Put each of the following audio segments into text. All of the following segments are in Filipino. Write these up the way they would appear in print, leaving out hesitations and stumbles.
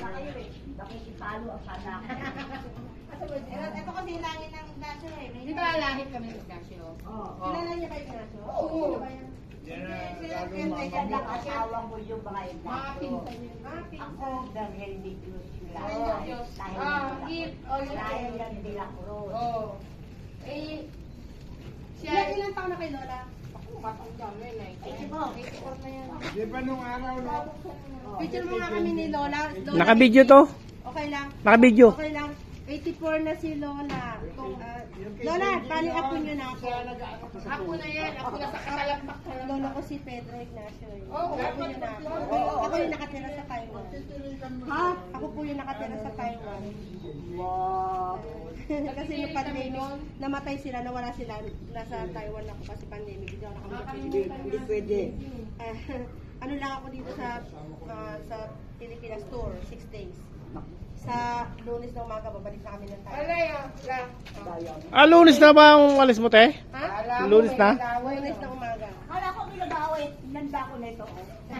na kayo eh. Nakikipalo ang sana ako. Ito kasi langit ng Ignacio eh. Di ba lahit kami ng Ignacio? Oo. Kilala niyo kay Ignacio? Oo. Yan ang asawa ko yung mga Mga Ignacio. pinsan yun. Ako, dahil di Cruz sila. Diyos. Dahil yan de la Cruz. Oo. Eh, Ilang taon na kay Lola? ako, matanda na yun. Ay, sibo. na yan. Di ba nung araw, no? Picture mo nga kami ni Lola. Naka-video to? Okay lang. Naka-video. Okay lang. 84 na si Lola. Lola, bali ako nyo na ako. Ako na yan. Ako na sa katalakpak ka lang. Lolo ko si Pedro Ignacio. Oo. Ako nyo na ako. Ako yung nakatira sa Taiwan. Ha? Ako po yung nakatira sa Taiwan. Wow. Kasi yung pandemic, namatay sila, nawala sila. Nasa Taiwan ako kasi pandemic. Hindi ako nakapagpapilipinas. Hindi pwede. Ano lang ako dito sa Pilipinas tour, 6 days. Sa Lunes na umaga, babalik na kami ng Taiwan. Alay, la. Lunes na ba ang alis mo, te? Ha? Lunes na? Lunes na umaga. Kala ko pinag-away. Nanda ko na ito.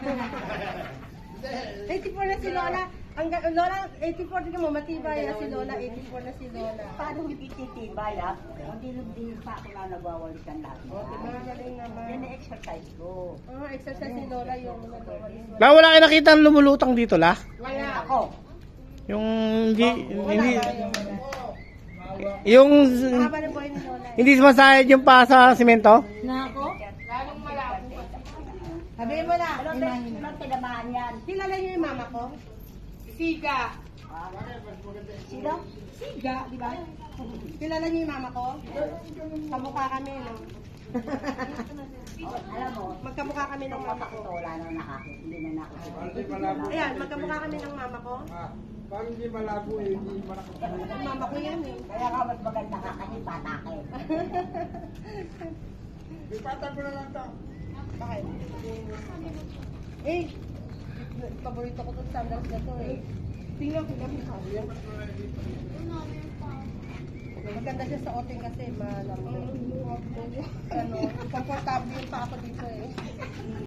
84 na si Lola. Lola, 84 din mo, matibay na si Lola, 84 na si Lola. Paano hindi titibay ha? Hindi pa ako na nagwawalikan lahat. Magaling naman. Yan ang exercise ko. Exercise si Lola yung nagawa. La, wala kayo nakita ang lumulutang dito, la? Wala. Ako. Yung hindi, Wala. yung Haba ng buhay ni Lola. hindi sumasayad yung pa sa simento? Nako? Lalong malabo. Sabihin mo na. Walang tinamaan yan. Kilala niyo yung mama ko? Siga. Sino? Siga, di ba? Kilala niyo yung mama ko? Kamukha kami, no? Alam mo, Magkamukha kami ng mama ko. ito wala nang nakakita. Hindi na nakakita. Ayan, magkamukha kami ng mama ko. Parang hindi malabo eh, hindi malakot. Mama ko yan eh. Kaya ka mas maganda ka kasi bata ka eh. Ipatag ko na lang ito. Bakit? Eh, paborito ko itong sandals na to eh. Tingnan ko kami sabi yan. Maganda siya sa oting kasi malamig. Ano, komportable yung pa ako dito eh.